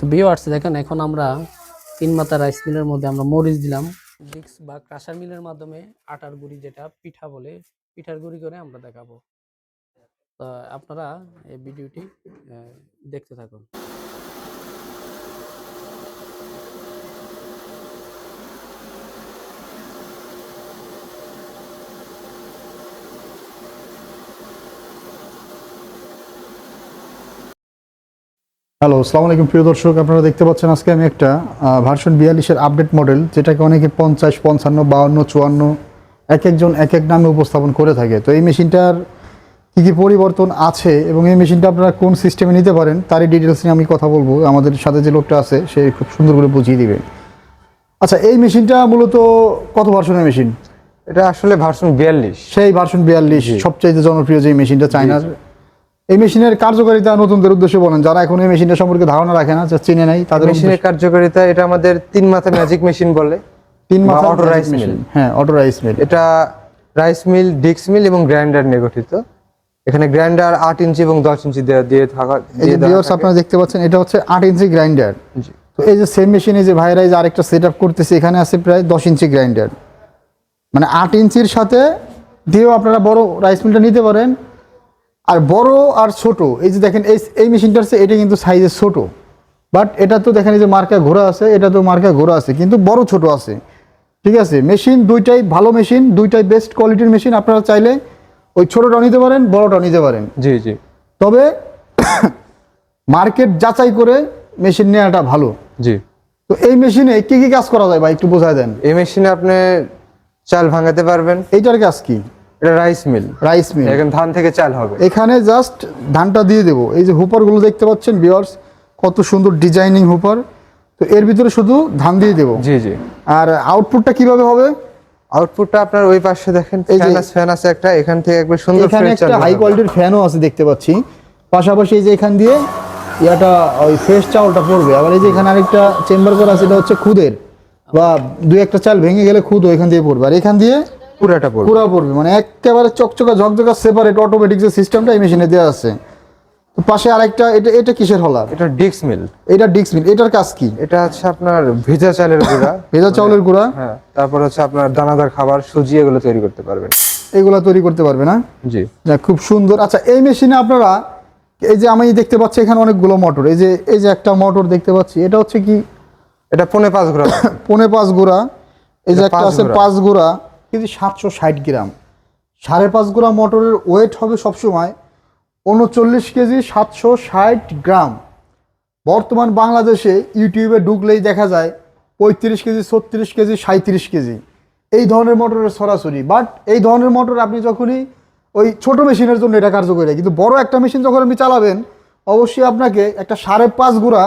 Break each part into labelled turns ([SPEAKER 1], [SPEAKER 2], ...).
[SPEAKER 1] Viewers দেখেন, এখন আমরা তিন মাথা রাইস মিলের মধ্যে আমরা মরিচ দিলাম, ডিক্স বা ক্রাশার মিলের মাধ্যমে আটার গুঁড়ি, যেটা পিঠা বলে, পিঠার গুঁড়ি করে আমরা দেখাবো। তো আপনারা এই ভিডিওটি দেখতে থাকুন।
[SPEAKER 2] হ্যালো, আসসালামু আলাইকুম প্রিয় দর্শক। আপনারা দেখতে পাচ্ছেন আজকে আমি একটা ভার্সন 42-এর আপডেট মডেল, যেটাকে অনেকে 50, 55, 52, 54 এক একজন এক এক নামে উপস্থাপন করে থাকে। তো এই মেশিনটার কী কী পরিবর্তন আছে এবং এই মেশিনটা আপনারা কোন সিস্টেমে নিতে পারেন তারই ডিটেলস নিয়ে আমি কথা বলবো। আমাদের সাথে যে লোকটা আছে সে খুব সুন্দর করে বুঝিয়ে দিবে। আচ্ছা, এই মেশিনটা মূলত কত ভার্সনের মেশিন?
[SPEAKER 3] এটা আসলে ভার্সন 42।
[SPEAKER 2] সেই ভার্সন 42 সবচাইতে জনপ্রিয় যে মেশিনটা চায়নার। এই মেশিনের কার্যকারিতা নতুনদের উদ্দেশ্যে বলেন, যারা এখন এই মেশিনটা সম্পর্কে ধারণা রাখে না, যা চিনে নাই তাদের।
[SPEAKER 3] মেশিনের কার্যকারিতা, এটা আমাদের 3 মাথা ম্যাজিক মেশিন বলে।
[SPEAKER 2] 3 মাথা
[SPEAKER 3] অটো রাইস মিল।
[SPEAKER 2] হ্যাঁ, অটো রাইস মিল।
[SPEAKER 3] এটা রাইস মিল, ডিক্স মিল এবং গ্রাইন্ডার নিয়ে গঠিত। এখানে গ্রাইন্ডার 8 ইঞ্চি এবং 10 ইঞ্চি দিয়ে থাকা।
[SPEAKER 2] এই যে ভিউয়ার্স আপনারা দেখতে পাচ্ছেন, এটা হচ্ছে 8 ইঞ্চি গ্রাইন্ডার। তো এই যে সেম মেশিনে যে ভাইরা যে আরেকটা সেটআপ করতেছে, এখানে আছে প্রায় 10 ইঞ্চি গ্রাইন্ডার। মানে 8 ইঞ্চির সাথে দিয়েও আপনারা বড় রাইস মিলটা নিতে পারেন। আর বড় আর ছোট, এই যে দেখেন এই মেশিনটার চেয়ে এটা কিন্তু সাইজে ছোট, বাট এটা তো দেখেন এই যে মার্কা ঘোরা আছে, এটা তো মার্কা ঘোরা আছে, কিন্তু বড় ছোট আছে। ঠিক আছে, মেশিন দুইটাই ভালো মেশিন, দুইটাই বেস্ট কোয়ালিটির মেশিন। আপনারা চাইলে ওই ছোটটাও নিতে পারেন, বড়টাও নিতে পারেন।
[SPEAKER 3] জি জি।
[SPEAKER 2] তবে মার্কেট যাচাই করে মেশিন নেওয়াটা ভালো।
[SPEAKER 3] জি।
[SPEAKER 2] তো এই মেশিনে কি কি কাজ করা যায় ভাই, একটু বোঝায় দেন।
[SPEAKER 3] এই মেশিনে আপনি চাল ভাঙাতে পারবেন।
[SPEAKER 2] এইটার কাজ কি?
[SPEAKER 3] এটা রাইস মিল।
[SPEAKER 2] Rice mill.
[SPEAKER 3] এখানে ধান থেকে চাল হবে।
[SPEAKER 2] এখানে জাস্ট ধানটা দিয়ে দেবো। এই যে হুপারগুলো দেখতে পাচ্ছেন ভিউয়ার্স, কত সুন্দর ডিজাইনিং হুপার। তো এর ভিতরে শুধু ধান দিয়ে দেবো।
[SPEAKER 3] জি জি।
[SPEAKER 2] আর আউটপুটটা কিভাবে হবে?
[SPEAKER 3] আউটপুটটা আপনার ওই পাশে দেখেন, ফ্যান আছে একটা, এখান থেকে একবার সুন্দর
[SPEAKER 2] এখানে একটা হাই কোয়ালিটির ফ্যানও আছে দেখতে পাচ্ছি। পাশাপাশি এই যে এখান দিয়ে ইয়াটা ওই ফ্রেশ চাউলটা পড়বে। আবার এই যে এখানে আরেকটা চেম্বার করা আছে, এটা হচ্ছে খুদের, বা দুই একটা চাল ভেঙে গেলে খুদ এখান দিয়ে পড়বে। আর এখান দিয়ে
[SPEAKER 3] পুরাটা
[SPEAKER 2] পড়বে, মানে একেবারে চকচকা ঝকঝকা সেপারেট অটোমেটিক যে সিস্টেমটা এই মেশিনে দেওয়া আছে। তো পাশে আরেকটা, এটা কিসের হলার?
[SPEAKER 3] এটা ডিক্স মিল।
[SPEAKER 2] এটা ডিক্স মিল। এটার কাজ কি?
[SPEAKER 3] এটা হচ্ছে আপনার ভেজা চালের গুঁড়া।
[SPEAKER 2] ভেজা চাউলের গুঁড়া।
[SPEAKER 3] হ্যাঁ, তারপর হচ্ছে আপনার দানাদার খাবার, সুজি, এগুলো তৈরি করতে পারবেন।
[SPEAKER 2] এগুলা তৈরি করতে পারবে না?
[SPEAKER 3] জি।
[SPEAKER 2] যাক, খুব সুন্দর। আচ্ছা, এই মেশিনে আপনারা এই যে আমি দেখতে পাচ্ছি এখানে অনেকগুলো মোটর, এই যে একটা মোটর দেখতে পাচ্ছি, এটা হচ্ছে কি?
[SPEAKER 3] এটা 5.5 গুঁড়া।
[SPEAKER 2] 5.5 গুঁড়া। এই যে
[SPEAKER 3] এটা
[SPEAKER 2] একটা
[SPEAKER 3] 5
[SPEAKER 2] আছে
[SPEAKER 3] গুঁড়া।
[SPEAKER 2] 5 গুঁড়া, কিন্তু 760 গ্রাম। 5.5 গুঁড়া মোটরের ওয়েট হবে সবসময় 39 কেজি 760 গ্রাম। বর্তমান বাংলাদেশে ইউটিউবে ঢুকলেই দেখা যায় 35 কেজি, 36 কেজি, 37 কেজি এই ধরনের মোটরের সরাসরি। বাট এই ধরনের মোটর আপনি যখনই ওই ছোট মেশিনের জন্য এটা কার্যকরী, কিন্তু বড় একটা মেশিন যখন আপনি চালাবেন, অবশ্যই আপনাকে একটা 5.5 গুঁড়া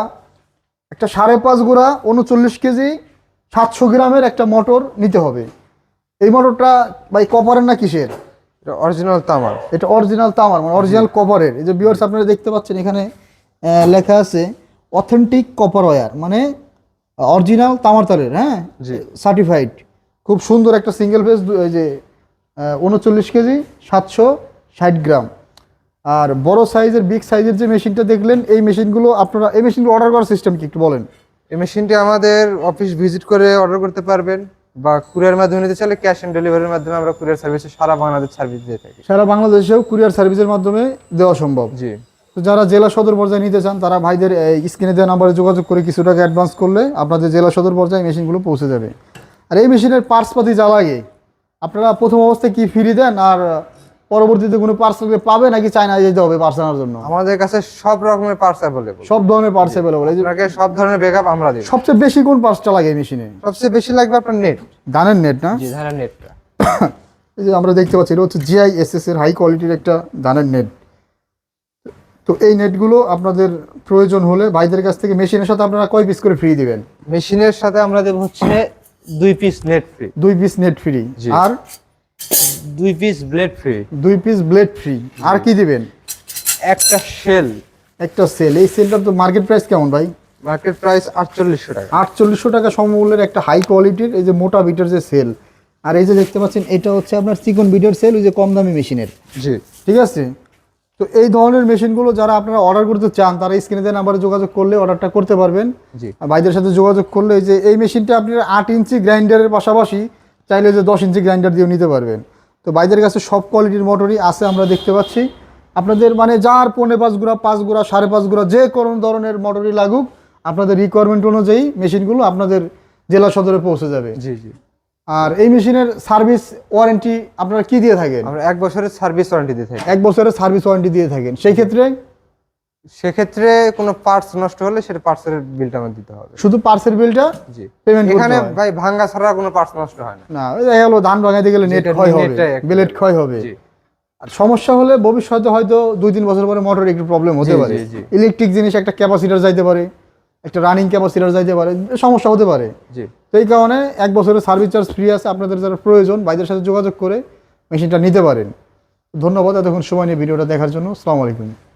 [SPEAKER 2] 39 কেজি 700 গ্রামের একটা মোটর নিতে হবে। এই মোটরটা ভাই কপারের না কিসের?
[SPEAKER 3] এটা অরিজিনাল তামার।
[SPEAKER 2] এটা অরিজিনাল তামার, মানে অরিজিনাল কপারের। এই যে ভিউয়ার্স আপনারা দেখতে পাচ্ছেন, এখানে লেখা আছে অথেন্টিক কপার ওয়্যার, মানে অরিজিনাল তামার তারের। হ্যাঁ, সার্টিফাইড। খুব সুন্দর একটা সিঙ্গেল ফেজ, এই যে 39 কেজি 760 গ্রাম। আর বড় সাইজের, বিগ সাইজের যে মেশিনটা দেখলেন, এই মেশিনগুলো আপনারা, এই মেশিনগুলো অর্ডার করার সিস্টেম কি একটু বলেন।
[SPEAKER 3] এই মেশিনটি আমাদের অফিস ভিজিট করে অর্ডার করতে পারবেন, বা কুরিয়ার মাধ্যমে নিতে চাইলে ক্যাশ অন ডেলিভারির মাধ্যমে আমরা কুরিয়ার সার্ভিসে সারা বাংলাদেশ সার্ভিস দিয়ে থাকি।
[SPEAKER 2] সারা বাংলাদেশেও কুরিয়ার সার্ভিসের মাধ্যমে দেওয়া সম্ভব।
[SPEAKER 3] জি।
[SPEAKER 2] তো যারা জেলা সদর পর্যায়ে নিতে চান, তারা ভাইদের স্ক্রিনে দেওয়া নাম্বারে যোগাযোগ করে কিছু টাকা অ্যাডভান্স করলে আপনাদের জেলা সদর পর্যায়ে মেশিনগুলো পৌঁছে যাবে। আর এই মেশিনের পার্টসপাতি যা লাগে, আপনারা প্রথম অবস্থায় কি ফ্রি দেন, আর পরবর্তীতে কোনো পার্টস পাবে নাকি চায়নায় যেতে হবে পার্টস আনার জন্য?
[SPEAKER 3] আমাদের কাছে সব রকমের পার্টস অ্যাভেলেবল।
[SPEAKER 2] সব ধরনের পার্টস অ্যাভেলেবল।
[SPEAKER 3] আপনাকে সব ধরনের ব্যাকআপ আমরা দিই।
[SPEAKER 2] সবচেয়ে বেশি কোন পার্টসটা লাগে এই মেশিনে?
[SPEAKER 3] সবচেয়ে বেশি লাগবে আপনার নেট।
[SPEAKER 2] ধানের নেট না?
[SPEAKER 3] জি, ধানের নেটটা।
[SPEAKER 2] এই যে আমরা দেখতে পাচ্ছি, এটা হচ্ছে GISS এর হাই কোয়ালিটির একটা ধানের নেট। তো এই নেটগুলো আপনাদের প্রয়োজন হলে ভাইদের কাছ থেকে মেশিনের সাথে আপনারা কয় পিস করে ফ্রি দিবেন?
[SPEAKER 3] মেশিনের সাথে আমরা দেব হচ্ছে 2 piece net free.
[SPEAKER 2] 2 piece net free. আর
[SPEAKER 3] 2 piece blade free.
[SPEAKER 2] 2 piece blade free. আর কি দিবেন?
[SPEAKER 3] একটা শেল।
[SPEAKER 2] একটা সেল। এই সেলটার তো মার্কেট প্রাইস কেমন ভাই?
[SPEAKER 3] মার্কেট প্রাইস 4800 টাকা।
[SPEAKER 2] 4800 টাকা সমমূল্যের একটা হাই কোয়ালিটির এই যে মোটা বিটের যে সেল। আর এই যে দেখতে পাচ্ছেন, এটা হচ্ছে আপনার চিকন বিটের সেল, ওই যে কম দামি মেশিনের।
[SPEAKER 3] জি।
[SPEAKER 2] ঠিক আছে, তো এই ধরনের মেশিনগুলো যারা আপনারা অর্ডার করতে চান তারা স্ক্রিনে দেওয়া নাম্বারে যোগাযোগ করলে অর্ডারটা করতে পারবেন।
[SPEAKER 3] জি
[SPEAKER 2] আর ভাইদের সাথে যোগাযোগ করলে যে এই মেশিনটা আপনারা 8 ইঞ্চি গ্রাইন্ডারের পাশাপাশি চাইলে যে 10 ইঞ্চি গ্রাইন্ডার দিয়েও নিতে পারবেন। তো ভাইদের কাছে সব কোয়ালিটির মোটরই আছে আমরা দেখতে পাচ্ছি। আপনাদের মানে যার 5.5 গুড়া 5 গুড়া 5.5 গুড়া যে কোনো ধরনের মোটরই লাগুক আপনাদের রিকোয়ারমেন্ট অনুযায়ী মেশিনগুলো আপনাদের জেলা সদরে পৌঁছে যাবে।
[SPEAKER 3] জি জি।
[SPEAKER 2] আর এই মেশিনের সার্ভিস ওয়ারেন্টি আপনারা কি দিয়ে থাকেন?
[SPEAKER 3] আমরা 1 বছরের সার্ভিস ওয়ারেন্টি দিয়ে থাকি।
[SPEAKER 2] 1 বছরের সার্ভিস ওয়ারেন্টি দিয়ে থাকেন। সেই ক্ষেত্রে
[SPEAKER 3] সেক্ষেত্রে কোনো পার্টস নষ্ট হলে সেটা পার্টসের বিলটা আমাদের দিতে হবে।
[SPEAKER 2] শুধু পার্সেল বিলটা
[SPEAKER 3] জি
[SPEAKER 2] পেমেন্ট করতে
[SPEAKER 3] এখানে
[SPEAKER 2] হয়।
[SPEAKER 3] ভাই ভাঙ্গা ছাড়া কোনো পার্টস নষ্ট হয় না।
[SPEAKER 2] না ওই দেখা গেলো ধান ভাঙাইতে গেলে নেট
[SPEAKER 3] যেটা
[SPEAKER 2] ক্ষয় হবে,
[SPEAKER 3] নেটটাই একটা
[SPEAKER 2] ব্লেড ক্ষয় হবে।
[SPEAKER 3] জি
[SPEAKER 2] আর সমস্যা হলে ভবিষ্যতে হয়তো 2-3 বছর পরে মোটর একটু প্রবলেম হতে
[SPEAKER 3] জি,
[SPEAKER 2] পারে।
[SPEAKER 3] জি, জি।
[SPEAKER 2] ইলেকট্রিক জিনিস একটা ক্যাপাসিটর যাইতে পারে, একটা রানিং ক্যাপাসিটর যাইতে পারে, সমস্যা হতে পারে।
[SPEAKER 3] জি।
[SPEAKER 2] তো এই কারণে 1 বছরের সার্ভিস চার্জ ফ্রি আছে। আপনাদের যারা প্রয়োজন ভাইদের সাথে যোগাযোগ করে মেশিনটা নিতে পারেন। ধন্যবাদ এতক্ষণ সময় নিয়ে ভিডিওটা দেখার জন্য। আসসালামু আলাইকুম।